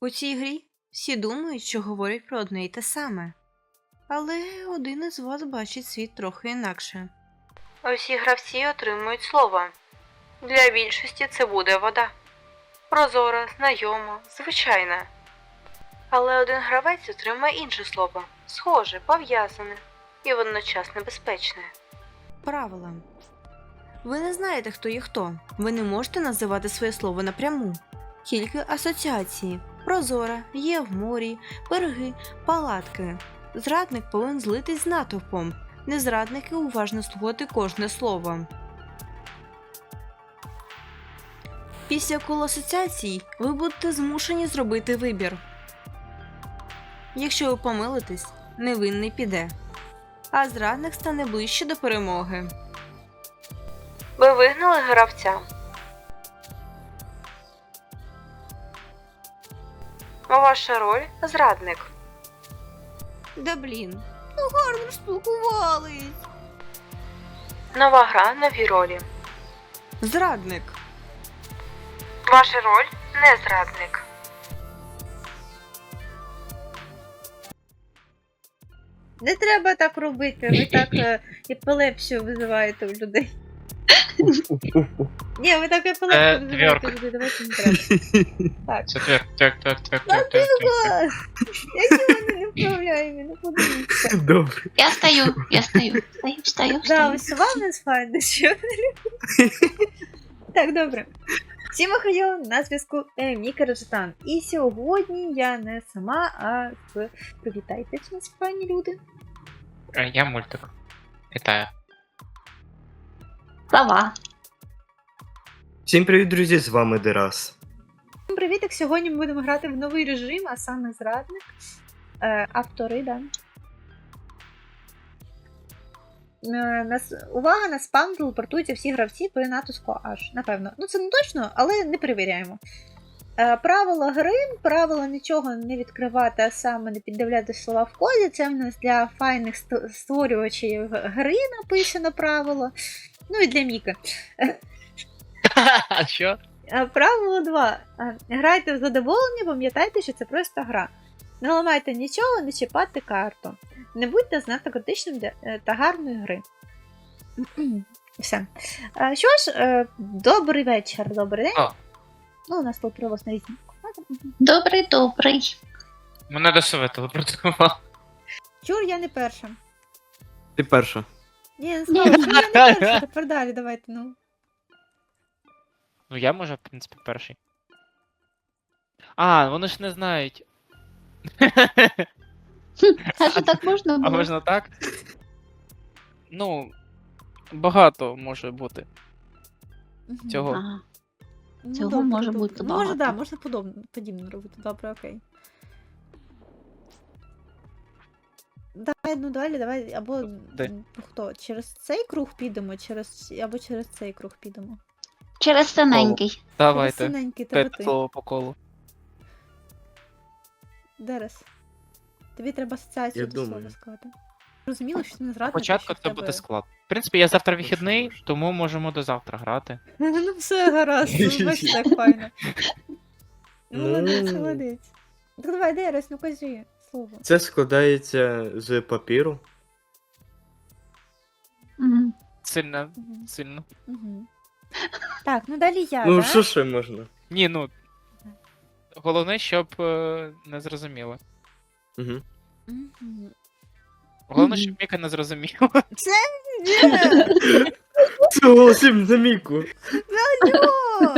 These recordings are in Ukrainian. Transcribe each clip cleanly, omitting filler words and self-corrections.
У цій грі всі думають, що говорять про одне й те саме. Але один із вас бачить світ трохи інакше. Усі гравці отримують слово. Для більшості це буде вода. Прозора, знайома, звичайна. Але один гравець отримає інше слово. Схоже, пов'язане і водночас небезпечне. Правила. Ви не знаєте, хто є хто. Ви не можете називати своє слово напряму. Тільки асоціації. Прозора, є в морі, береги, палатки. Зрадник повинен злитись з натовпом. Незрадники уважно слухати кожне слово. Після кола асоціацій ви будете змушені зробити вибір. Якщо ви помилитесь, невинний піде, а зрадник стане ближче до перемоги. Ви вигнали гравця. Ваша роль – зрадник. Да блін, ну гарно ж спілкувались. Нова гра, нові ролі. Зрадник. Ваша роль – не зрадник. Не треба так робити, ви так епілепсію визиваєте у людей. Ні, ви так епілепсію визиваєте у людей, давайте не треба. Так. Так. Які вони не вправляємо, не подивіться. Добре. Я стою. Да, ось вам не сфайне, що не люблю. Так, добре. Всім охайо, на зв'язку Міка Раджетан. І сьогодні я не сама, а з... Привітайтесь, нас файні люди. Я мультик. Вітаю. Слова. Всім привіт, друзі, з вами Дерас. Всім привіток, сьогодні ми будемо грати в новий режим, а саме зрадник. Автори, да. Увага, на спам телепортуються всі гравці при натиску H, напевно. Ну це не точно, але не перевіряємо. Правила гри, правила нічого не відкривати, а саме не піддивляти слова в коді. Це в нас для файних створювачів гри написано правило. Ну і для Міки. А що? Правило 2. Грайте в задоволення, пам'ятайте, що це просто гра. Не ламайте нічого, не чіпати карту. Не будьте знато критичним та гарної гри. Все. Що ж, добрий вечір, добрий день. О. Ну, у нас тут привоз на різні. Добрий. Мене до себе телепортував. Чур, я не перша. Ти перша. Ні, не сказала, що я не перша. Тепер далі, давайте, ну. Ну я можу, в принципі, перший. А, вони ж не знають. А що так можна А було? можна так? Ну, багато може бути цього. Ага. Ну, Цього добре, може добре. бути Ну, може, багато. да, можна подібно робити. Добре, окей. Давай, ну далі, давай, або Де? ну, хто? Через цей круг підемо, або через цей круг підемо. Через синенький. Давайте. Синенький, тебе П'ять ти. слово по колу. Дерес. Тобі треба асоціацію Я до слова думаю. сказати. Розуміло, що ти не зрадник. Спочатку що в це тебе- буде склад. В принципі, я завтра вихідний, Можна. тому можемо до завтра грати. Ну все гаразд, ну, бачиш, так файно. Ну. Молодець, молодець. Так давай, Дерес, ну кажи слово. Це складається з папіру. Мгм. Сильно, Мгм. сильно. Мгм. Так, ну далі я, Ну, да? що ще можна? Ні, ну. Головне, щоб не зрозуміло. Угу. Мгм. Головне, Мгм. щоб Міка не зрозуміла. Ні! Це голосим за Міку. Алло!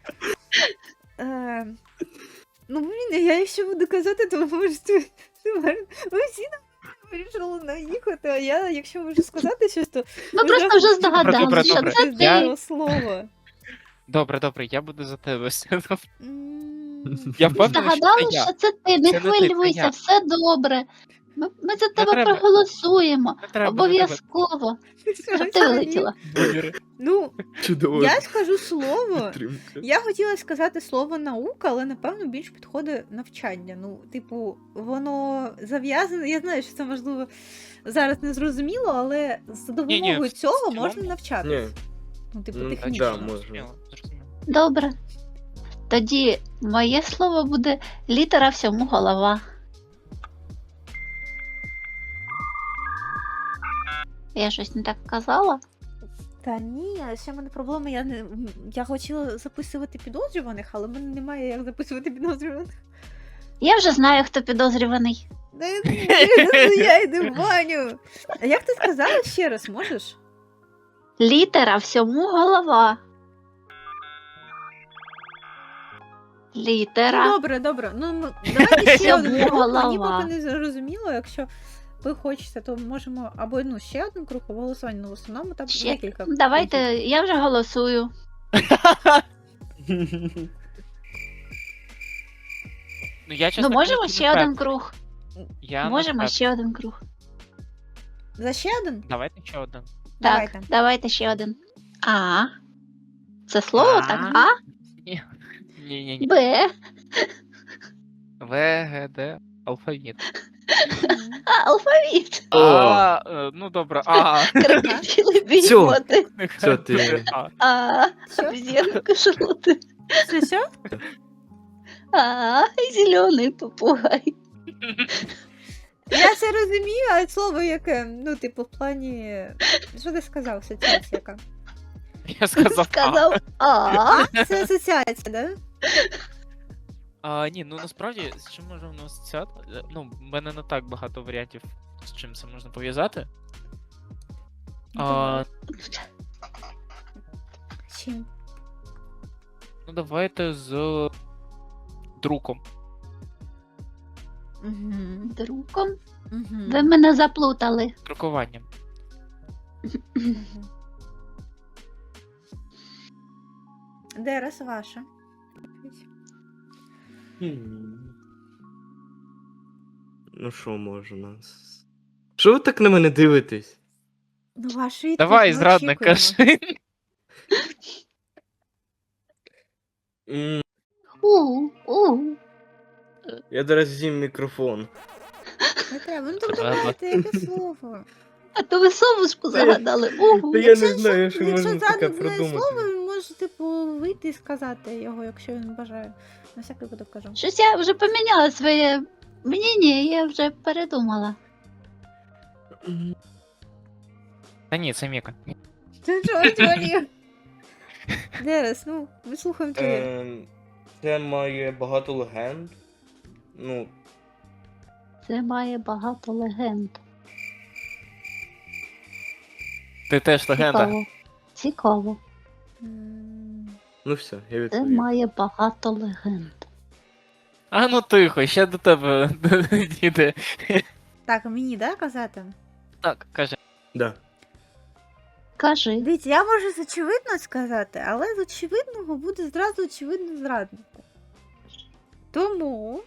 Ну, блін, я якщо буду казати, то можете... Ви всі вирішили наїхати, а я, якщо можу сказати щось, то... Ми просто вже Добре, здогадалися, що добре. це Це ти. було слово. Добре, я буду за тебе. М. Я впевнений, що це Здогадалися, я. що це ти. Не Це не ти, це хвилюйся, я. все добре. Ми за тебе треба. проголосуємо. Не треба, Обов'язково. Щоб ти вилетіла. Довіри. Ну, Чудово. я скажу слово. Підтримка. Я хотіла сказати слово наука, але напевно більш підходить навчання. Ну, типу, воно зав'язане. Я знаю, що це можливо зараз не зрозуміло, але за допомогою в цього цілому. можна навчатися. Ні, Ну, типу, ну, технічно. да, можна. Зрозуміло. Добре. Тоді моє слово буде літера всьому голова. Я щось не так казала? Та ні, ще в мене проблема, я хотіла записувати підозрюваних, але в мене немає як записувати підозрюваних. Я вже знаю, хто підозрюваний. Я йду в баню. А як ти сказала ще раз, можеш? Літера всьому голова. Ну, Літера. добре. Ну, давайте ще один Всьому круг. Мені голова. поки не зрозуміло, якщо ви хочете, то можемо або ще один круг, або голосування, ну в основному там Ще. декілька. Давайте, я вже голосую. Ну, я, чесно Ну, можемо кажучи, ще не один впевнений. круг. Я не Можемо впевнений. ще один круг. За ще один? Давайте ще один. Давайте. Так, давайте ще один. А. Це слово А. так? А? Ні. Б. В, Г, Д, алфавіт. А, алфавіт. Ну добре, А. Крокодили Всьо. бігмоти. Все, ти. А. А. Що? Обезьянка шроти. Що? А. Зелений попугай. Я все розумію, а слово яке, ну, типу, в плані. Що ти сказав, асоціація яка? Я сказав А. Сказав А. А, це асоціація, да? Ні, ну насправді, з чим може воно асоціювати? Ну, в мене не так багато варіантів, з чим це можна пов'язати. Чим? Ну, давайте з друком. Угу. Друком. Угу. Ви мене заплутали. Друкуванням. Дерес ваша. Ну що можна? Що ви так на мене дивитесь? Ну, вашу відповідь Давай, ми зрадник, очікуємо. кажи. М, У. Я зараз з'їм мікрофон. Не треба, ну так Треба. давайте, яке слово. А то ви совушку загадали. Та я не знаю, що Якщо можна таке зрадник знає придумати. слово, він може, типу, вийти і сказати його, якщо він бажає. На всякий випадок кажу. Щось я вже поміняла своє мнення, я вже передумала. Та ні, це Міка. Ти чого творів? Дерес, ну, ми слухаємо твоє. Це має багато легенд. Ну, Це має багато легенд. Ти теж легенда. Цікаво. Цікаво. ну все, я Це відповів. має багато легенд. А ну тихо, ще до тебе діде. Так, мені, да, казати? Так, каже. Да. Кажи. Дивіться, я можу з очевидно сказати, але з очевидного буде зразу очевидно зраднику. Тому.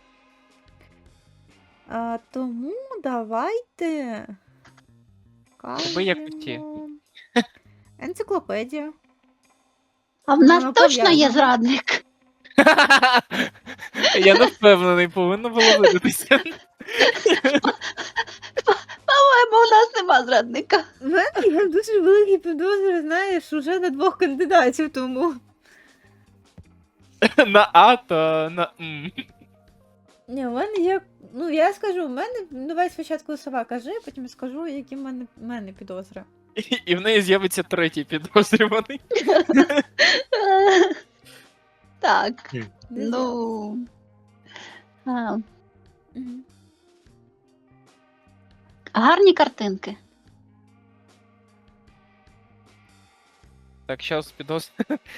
Тому давайте. Тебе як ті. Кажемо, енциклопедія. А в нас Воно точно є пов'язано. зрадник. Я не впевнений, повинно було видатися. По-моєму, у нас нема зрадника. У мене є дуже великі підозри, знаєш, уже на двох кандидатів, тому. На А та на М. Ні, у мене є. Ну, я скажу, у мене. Давай спочатку сова кажи, потім я скажу, які в мене підозри. І в неї з'явиться третій підозрюваний. Так, Хм. ну. А, Мгм. гарні картинки. Так, щас підозр...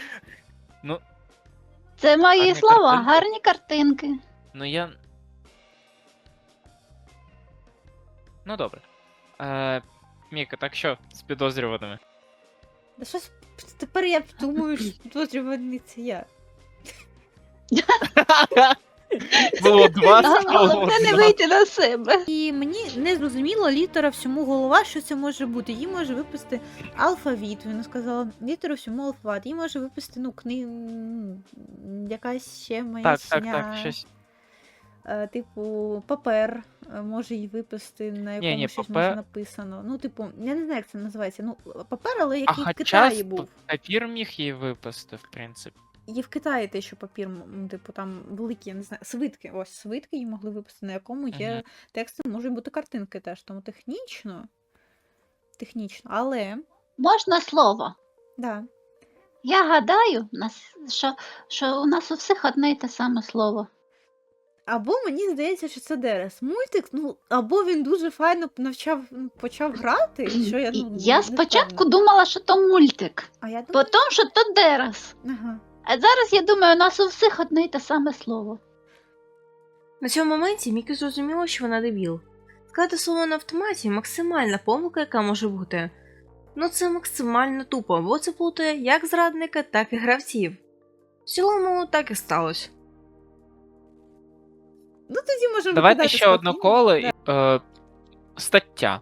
Це мої Гарні слова, картинки. гарні картинки. Ну я. Ну добре. Міка, так що з підозрюваними? Да щось тепер я думаю, що підозрюваний це я. Було два, Головне не вийти на себе. І мені не зрозуміла літера всьому голова, що це може бути. Її може виписати алфавіт, вона сказала, літера всьому алфавіт. Її може виписати, якась ще маячня. Так, щось. Типу, папер може її виписати, на якому Ні, щось папер- може написано. Ну, типу, я не знаю, як це називається. Ну, папер, але А який в хоча Китаї був. папір міг її випасти, в принципі. Є в Китаї те, що папір, типу, там великі, я не знаю, свитки. Ось свитки її могли випустити, на якому є Мгм. тексти, можуть бути картинки теж. Тому технічно, але, Можна слово? да. Я гадаю, що у нас у всіх одне й те саме слово. Або мені здається, що це Дерес. Мультик, або він дуже файно почав грати, що я, Я не спочатку впевнена. думала, що то мультик, А я думаю, потім, що то Дерес. ага. А зараз я думаю, у нас у всіх одне й те саме слово. На цьому моменті Мікі зрозуміла, що вона дебіл. Сказати слово на автоматі максимальна помилка, яка може бути. Ну це максимально тупо, бо це плутає як зрадника, так і гравців. В цілому так і сталося. Ну тоді можемо Давайте викидати ще одне спокійно. коло. Да. Стаття.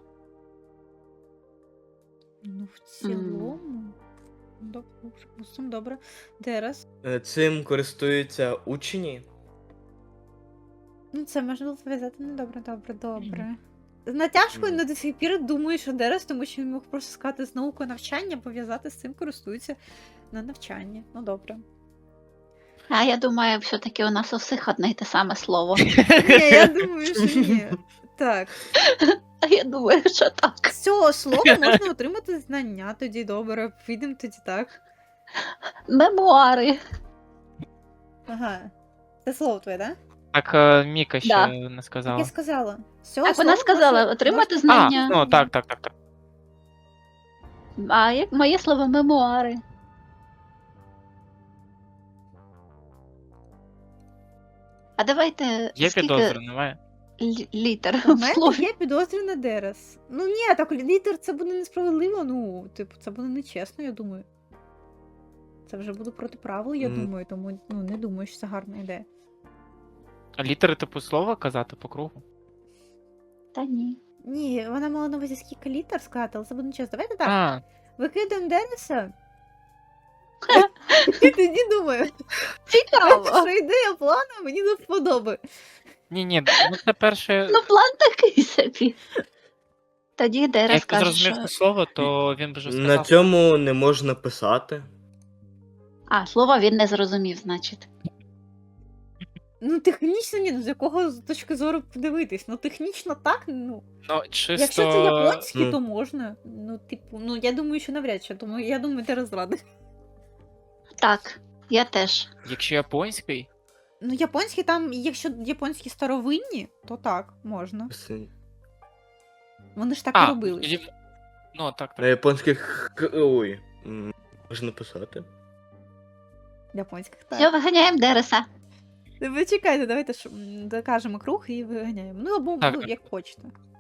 Ну, в цілому. Добре, припустимо, добре. Дерес. Цим користуються учні. Ну, це можна пов'язати добре. З натяжкою Мгм. на до сих пір думаю, що Дерес, тому що він мог просто сказати з наукою навчання, пов'язати з цим користуються на навчанні. Ну добре. А я думаю, все-таки у нас у всіх одне й те саме слово. Ні, я думаю, що ні. Так. А я думаю, що так. З цього слова можна отримати знання, тоді добре. Підемо тоді так. Мемуари. Ага. Це слово твоє, так? Так, Міка ще Да. не Так сказала. я сказала. З цього Так вона слова сказала, можна- отримати можна- знання. Ну, так. А як моє слово мемуари. А давайте Є скільки підозри, немає? літер У в мене слові? є підозри на Дерес. Ну ні, так літер це буде несправедливо, це буде нечесно, я думаю. Це вже буде проти правил, я думаю, тому не думаю, що це гарна ідея. А літери типу слова казати по кругу? Та ні. Ні, вона мала на увазі скільки літер сказати, але це буде нечесно. Давайте так. А, Викидаємо Дереса. І тоді думаю, Цікаво. що ідея плану мені не вподобає. ні, ну це перше. Ну, план такий собі. Тоді Дерес Як ти каже, зрозумів що... це слово, то він би вже На сказав. цьому не можна писати. А, слово він не зрозумів, значить. Ну, технічно ні, з якого точки зору подивитись. Ну, технічно так, Ну, чисто... якщо це японський, Ну. то можна. Я думаю, що навряд чи, тому я думаю, Дерес зрадить. Так, я теж. Якщо японський, Ну, японські там, якщо японські старовинні, то так, можна. Вони ж так і робили. тоді- Ну, так. На японських можна писати. Японських Все, так. виганяємо Дереса. Ви чекайте, давайте докажемо круг і виганяємо. Ну, або Так. як хочете.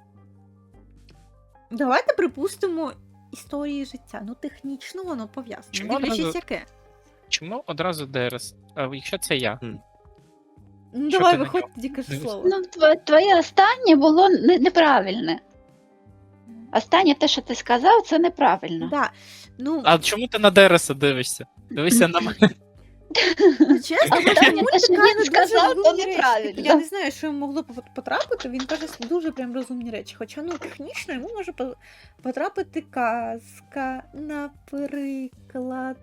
Давайте припустимо історії життя. Ну, технічно воно пов'язано. Чому Дивлячись, одразу- яке. Чому одразу ДРС? А якщо це я? Ну, Що давай, ти на виходь, нього? тоді кажи Дивись. слово. Ну, твоє останнє було неправильне. Останнє те, що ти сказав, це неправильно. Да. Ну, А чому ти на ДРС дивишся? Дивися на мене. чесно, Останнє те, що каже він дуже сказав, то розумні речі. неправильно. Я не знаю, що йому могло потрапити, він каже дуже прям розумні речі. Хоча, технічно йому може потрапити казка, наприклад,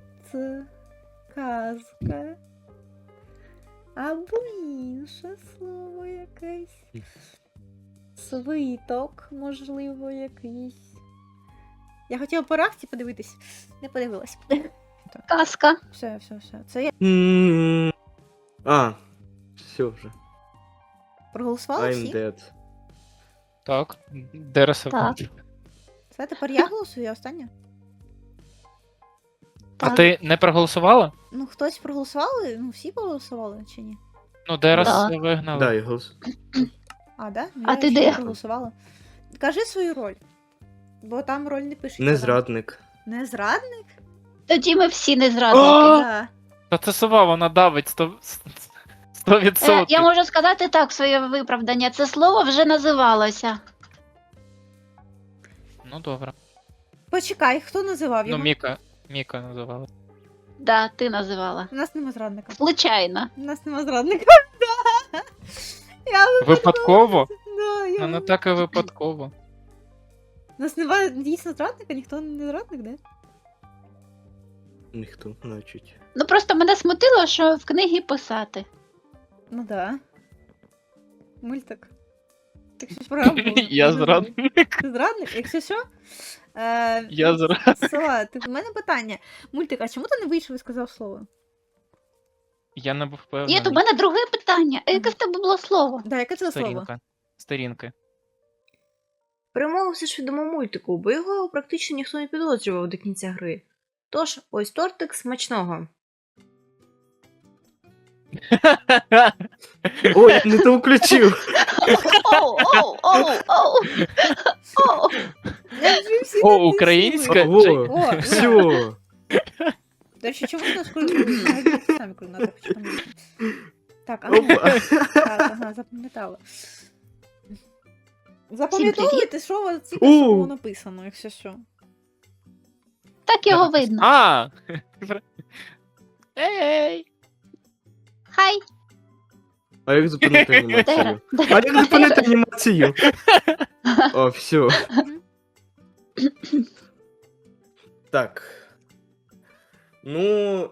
казка. Або інше слово якесь. Свиток, можливо, якийсь. Я хотіла по рахті подивитись, не подивилась. Казка. Все. Це я Все вже. проголосувала I'm всі. dead. Так, ДРС. Так. Все, тепер я голосую, я остання. А ти не проголосувала? Ну, хтось проголосували? Ну, всі проголосували чи ні? Ну, ДРС Да. вигнали. Да, я голос. А, да? Ну, А я ти ще де? не проголосувала. Кажи свою роль. Бо там роль не пишеться. Не зрадник. Не зрадник? Тоді ми всі не зрадники. О! Да. Та це сова, вона давить 100%. Я можу сказати так, своє виправдання. Це слово вже називалося. Ну, добре. Почекай, хто називав Ну, його? Міка називала. Да, ти називала. У нас нема зрадника. Случайно. У нас нема зрадника. Да. Я Випадково? да, я... Ну, не так і випадково. У нас немає дійсно зрадника, ніхто не зрадник, де? Ніхто, значить. Ну просто мене смутило, що в книгі писати. Ну да. Мультик. Якщо ж правда було. Я Дуже зрадник. Ти зрадник? Якщо що? Я зрадник. Сова, в мене питання. Мультик, а чому ти не вийшов і сказав слово? Я не був впевнений. Ні, то в мене друге питання. А яке в тебе було слово? Да, яке це слово? Сторінка. Сторінки. Перемога все ж відомо мультику, бо його практично ніхто не підозрював до кінця гри. Тож, ось тортик смачного. Ой, не то включив. Оу, оу, оу, оу. Оу. Я вже всі О, натиснули. українська? Ого, О, все. До речі, чому ти нас самі координати почали? Так, ага. Опа. Так, ага, запам'ятала. Запам'ятовуйте, що у вас тільки У. що було написано, якщо що. Так його видно. А! Ей! Хай. А як зупинити анімацію? А як зупинити анімацію? О, все. Так. Ну,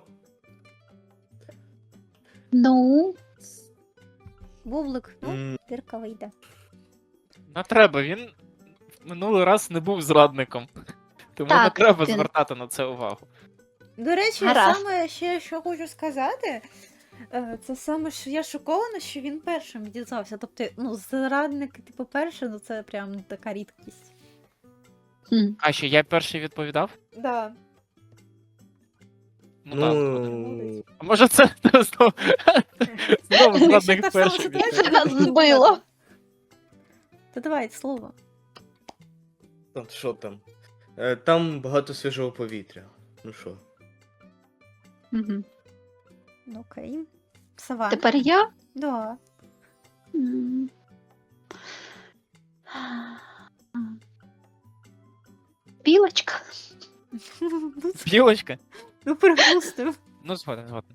Ну, Бублик, ну, м, дирка вийде. Не треба, він минулий раз не був зрадником. Тому не Так, треба він- звертати на це увагу. До речі, Гаразд. саме ще що хочу сказати, це саме, що я шокована, що він першим дізнався. Тобто, ну, зрадник, типу, перший, ну це прям така рідкість. хм. А що, я перший відповідав? Да. Ну так. згоден. ну, А може це знову Якщо зрадник та сама перший ситуація, відповідав? Нас збило. То давай слово. от що там? Там багато свіжого повітря. Ну що? Мгм. Ну, окей. Сова. Тепер я? Да. М. Білочка. Білочка? Ну, припустив. Ну, згоден, згоден.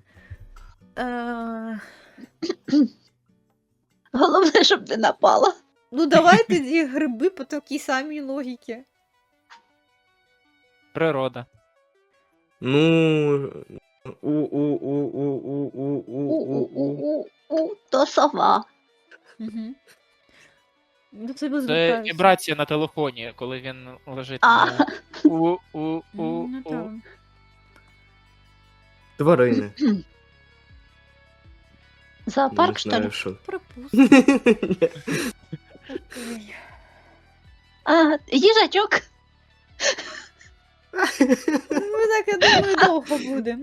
Головне, щоб не напала. Ну, давай тоді гриби по такій самій логіці. Природа. Ну. У. У, то сова. Угу. Ну, це без Це вібрація на телефоні, коли він лежить А. на у. Ну, там. Тварини. Зоопарк, Не що знаю, ли? що. Припустив. Окей. А, їжачок. Ну, ми так, я думаю, довго будемо.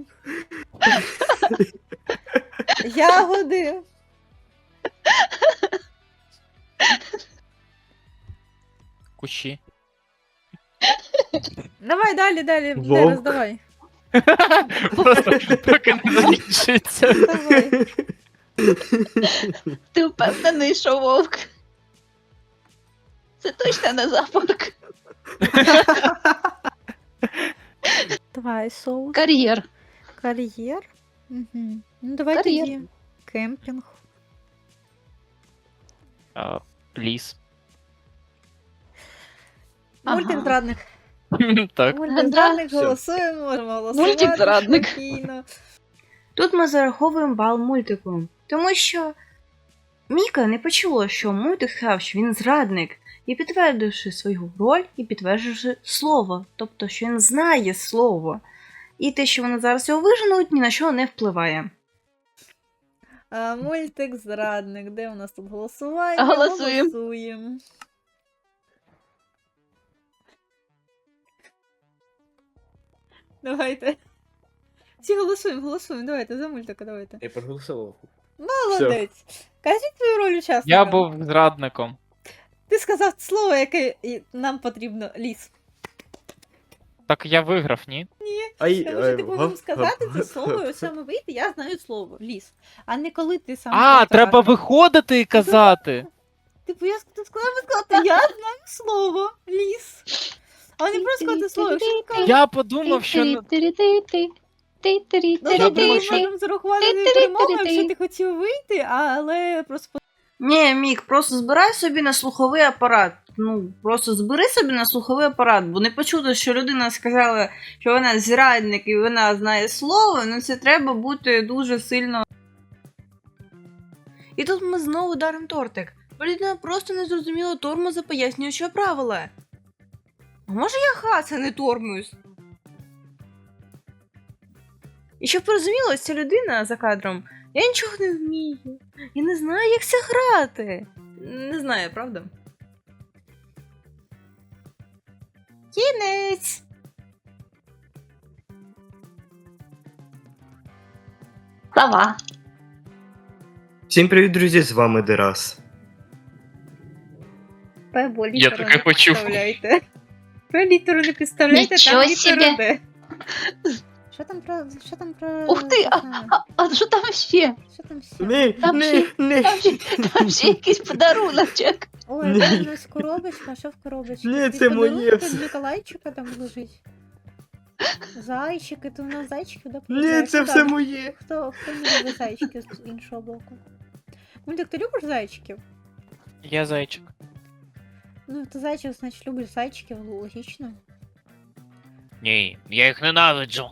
Ягоди. Кущі. Давай далі, Вовк. Дерес, давай. Просто поки не закінчиться. Давай. Ти впевнений, що вовк? Це точно не зоопарк. Давай, соус. Кар'єр. Кар'єр. Угу. Ну, давай Кар'єр. тоді. Кемпінг. А, Ліс. Ага. Мультик зрадник. Так. Мультик Да. зрадник, Все. голосуємо, можемо голосувати. Мультик зрадник. Спокійно. Тут ми зараховуємо бал мультику, тому що Міка не почула, що мультик сказав, що він зрадник, і підтвердивши свою роль, і підтвердивши слово, тобто, що він знає слово. І те, що вони зараз його виженуть, ні на що не впливає. Мультик зрадник. Де у нас тут голосування? Голосуємо. Голосуємо. Давайте. Всі голосуємо. Давайте, за мультика, давайте. Я проголосував. Молодець. Кажіть твою роль учасника. Я був зрадником. Ти сказав слово, яке нам потрібно. Ліс. Так я виграв, ні? Ай, Тому що ти повинен сказати це слово, і ось саме вийти, я знаю слово. Ліс. А не коли ти сам. А, повторюєш. треба виходити і казати. Типу, я сказати, я знаю слово. Ліс. А не просто сказати слово, якщо ти кажеш. Я подумав, що Ну, Я тобто думав, ми що- можемо зарахувати не перемогу, якщо ти хотів вийти, але просто Ні, Мік, просто збирай собі на слуховий апарат. Ну, просто збери собі на слуховий апарат, бо не почути, що людина сказала, що вона зрадник і вона знає слово, ну це треба бути дуже сильно. І тут ми знову даримо тортик. Бо людина просто не зрозуміла тормоза пояснюючого правила. А може я хас, а не тормоз? І щоб порозуміло, ця людина за кадром, я нічого не вмію. Я не знаю, як це грати. Не знаю, правда? Кінець! Слова. Всім привіт, друзі, з вами Дерас. П-бо Я літеру таке не почув. підставляйте. П літеру не підставляйте, Нічого там літеру собі. Д. Що там про... Ух ти, це саме? А що там ще? Що там ще? Ні, Там ні, ще- ні. Там ще якийсь подаруночок. Ой, Ні. там у нас коробочка, що в коробочці? Ні, Якийсь це моє подарунок все. від Миколайчика там лежить. Зайчики, то у нас зайчиків, да? Ні, получається? це Так. все моє. Хто не любить зайчиків з іншого боку? Мультик, ти любиш зайчиків? Я зайчик. Ну, ти зайчик, значить, любиш зайчиків, логічно. Ні, я їх ненавиджу.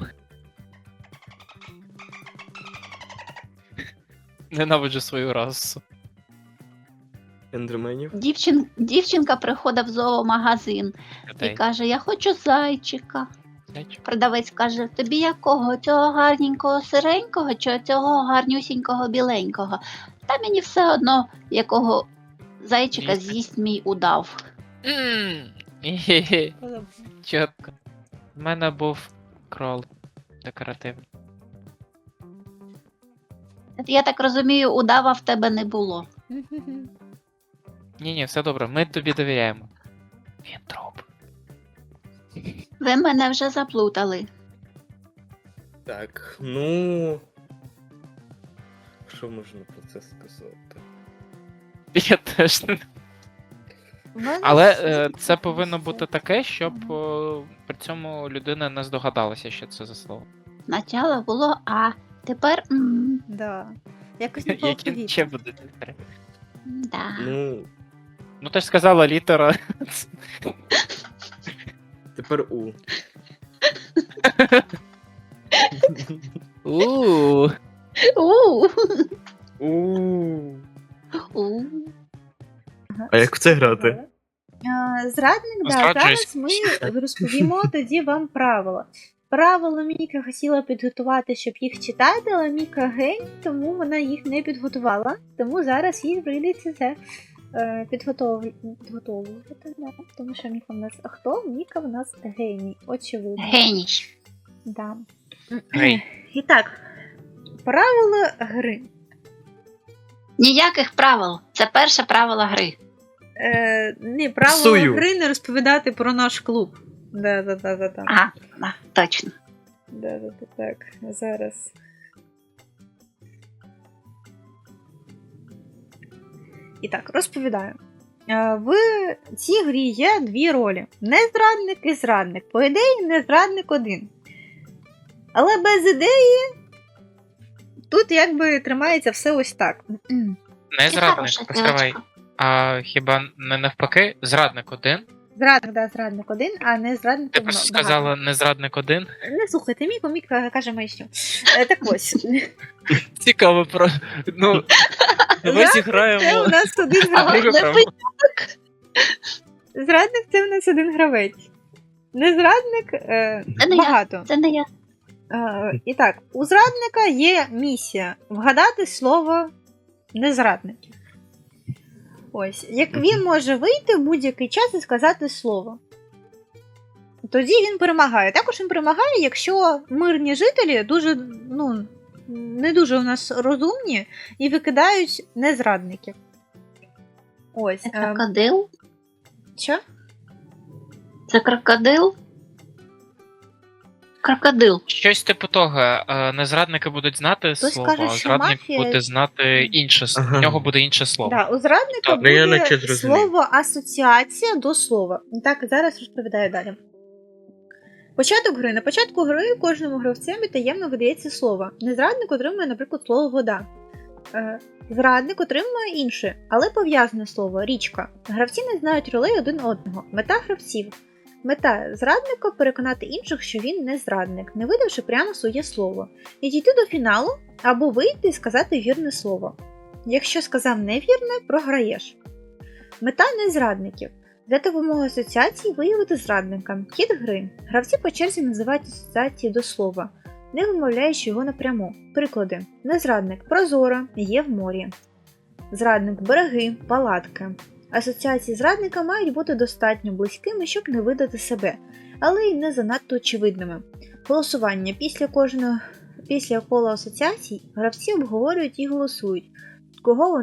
Ненавиджу свою расу. Ендерменів. Дівчинка приходить в зоомагазин і Людей. каже: я хочу зайчика. Зайчик. Продавець каже: тобі якого? Цього гарненького сиренького чи цього гарнюсінького біленького? Та мені все одно, якого зайчика Їсти. з'їсть мій удав. Хе-хе. Подобно. Чітко. У мене був крол декоративний. Я так розумію, удава в тебе не було. Мгм. Ні, все добре, ми тобі довіряємо. Він труп. Ви мене вже заплутали. Так, ну. Що можна про це сказати? Я теж не. У мене Але все це повинно все. бути таке, щоб при цьому людина не здогадалася, що це за слово. Спочатку було А, тепер Да. Якось не було Які ще будуть літери? да. Ну, Ну ти ж сказала літера. тепер У. У. У. У. У. А як в це грати? Зрадник, да, Зраджуюсь. зараз ми розповімо тоді вам правила. Правила Міка хотіла підготувати, щоб їх читати, але Міка гень, тому вона їх не підготувала. Тому зараз їй прийдеться це підготовувати. Да. Тому що Міка в нас хто? Міка в нас геній, очевидно. Геній. Да. Гей. І так, правила гри. Ніяких правил. Це перше правило гри. Не, правила Псую. гри не розповідати про наш клуб. Да. Ага, да, точно. Да, так, зараз. І так, розповідаю. В цій грі є дві ролі: незрадник і зрадник. По ідеї, незрадник один. Але без ідеї тут якби тримається все ось так. Не Ти зрадник, хороша постривай. дівчинка. А хіба не навпаки? Зрадник один? Зрадник, да, зрадник один, а не зрадник Ти багато. просто сказала не зрадник один. Не слухайте, Мік каже маячню. Так ось. Цікаво про. Ну. Ми Зрадник це у зіграємо. нас один А гравець. друге не право. Зрадник це у нас один гравець. Незрадник Це не я. багато. Це не я. І так, у зрадника є місія вгадати слово незрадників. Ось, як він може вийти в будь-який час і сказати слово. Тоді він перемагає. Також він перемагає, якщо мирні жителі дуже, не дуже у нас розумні і викидають незрадників. Ось. Це крокодил? Що? Це крокодил? Крокодил. Щось типу того, незрадники будуть знати Хтось слово, каже, а що зрадник мафія- буде знати інше слово. Ага. В нього буде інше слово. Да, у зрадника Так, ну, я буде наче зрозумів. слово асоціація до слова. Так, зараз розповідаю далі. Початок гри. На початку гри кожному гравцеві таємно видається слово. Незрадник отримує, наприклад, слово вода. Зрадник отримує інше, але пов'язане слово річка. Гравці не знають ролей один одного. Мета гравців. Мета зрадника переконати інших, що він не зрадник, не видавши прямо своє слово. І дійти до фіналу або вийти і сказати вірне слово. Якщо сказав невірне, програєш. Мета незрадників. Взяти вимогу асоціації виявити зрадника. Хід гри. Гравці по черзі називають асоціації до слова, не вимовляючи його напряму. Приклади. Незрадник – прозора, є в морі. Зрадник – береги, палатки. Асоціації зрадника мають бути достатньо близькими, щоб не видати себе, але й не занадто очевидними. Голосування. Після кола асоціацій гравці обговорюють і голосують, кого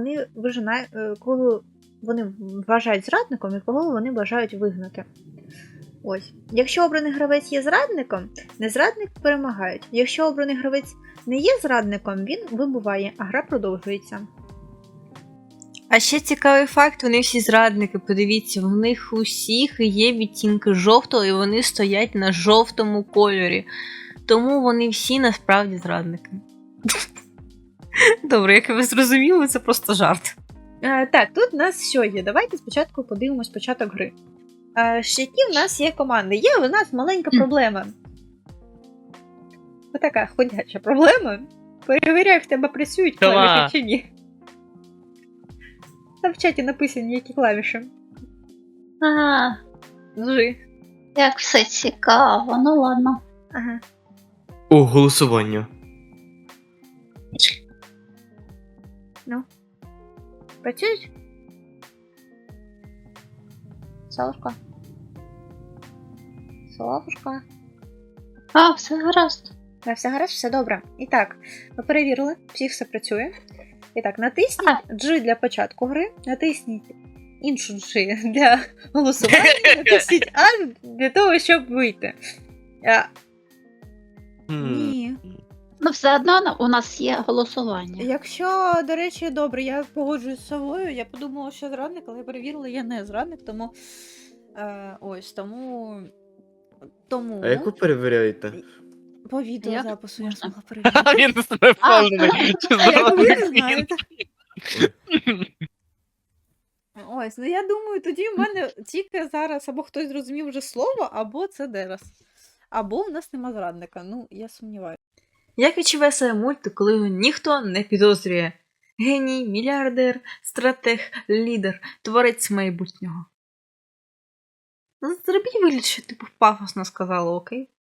вони вважають зрадником і кого вони бажають вигнати. Ось. Якщо обраний гравець є зрадником, незрадник перемагають. Якщо обраний гравець не є зрадником, він вибуває, а гра продовжується. А ще цікавий факт, вони всі зрадники, подивіться, в них усіх є відтінки жовтого і вони стоять на жовтому кольорі. Тому вони всі насправді зрадники. Добре, як ви зрозуміли, це просто жарт. Так, тут у нас що є? Давайте спочатку подивимось початок гри. Які в нас є команди? Є у нас маленька проблема. Отака ходяча проблема. Перевіряй, в тебе працюють клавіші чи ні. Там в чаті написані, які клавіші. А, Жи. як все цікаво, ну ладно. Ага. О, голосування. Працюють? Солушка. Соловушка. А, все гаразд. Все гаразд, все добре. І так, ми перевірили, всіх все працює. І так, натисніть G для початку гри, натисніть іншу G для голосування, натисніть A для того, щоб вийти. Ні. Ну, все одно у нас є голосування. Якщо, до речі, добре, я погоджуюсь з собою, я подумала, що зрадник, але я перевірила, я не зрадник, тому. Ось, тому. А як ви перевіряєте? По відеозапису я Можна? змогла перевірити. Він себе впевнений. А як ви не знаєте? Ось, ну я думаю, тоді в мене тільки зараз або хтось зрозумів вже слово, або це Дерас. Або в нас нема зрадника. Ну, я сумніваюся. Як відчуває себе мультик, коли його ніхто не підозрює? Геній, мільярдер, стратег, лідер, творець майбутнього. Ну, зробіть вигляд, що типу пафосно сказала, окей?